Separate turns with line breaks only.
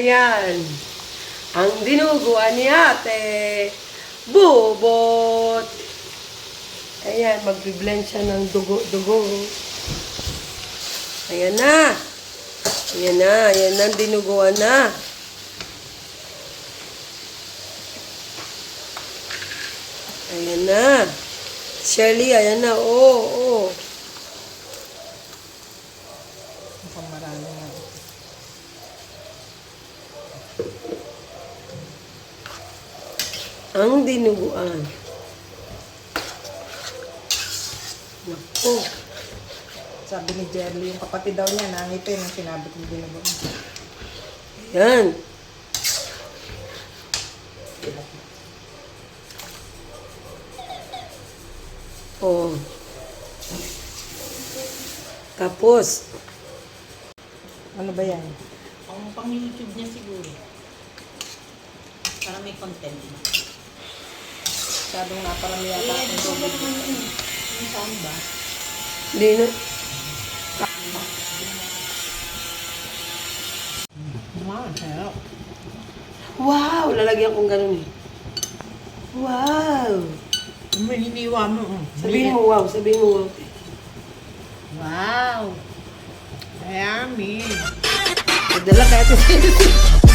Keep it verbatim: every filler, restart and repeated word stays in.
Ayan. Ang dinuguan ni ate. Bubot. Ayan, magbiblend siya ng dugo-dugo. Ayan na. Ayan na. Ayan na, dinuguan na. Ayan na. Shirley, ayan na. Oo, oh, oo. Oh.
Mukhang marami nga.
Ang dinuguan. Naku.
Sabi ni Jerly, yung kapatid daw niya, nangipin ang sinabi kong dinuguan.
Ayan. Oh. Tapos,
Ano ba yan?
Ang pang YouTube niya siguro. Para may content.
Masyadong naparami yata
Eh,
akong
gusto ko
tubig.
naman yun. Yung saan ba?
hindi na.
Wow, sarap.
Wow! Lalagyan kong ganun eh. Wow!
May hiniwa mo. oh.
Sabihin mo wow, sabihin mo wow.
Wow! Yummy!
Nagdala kaya ito.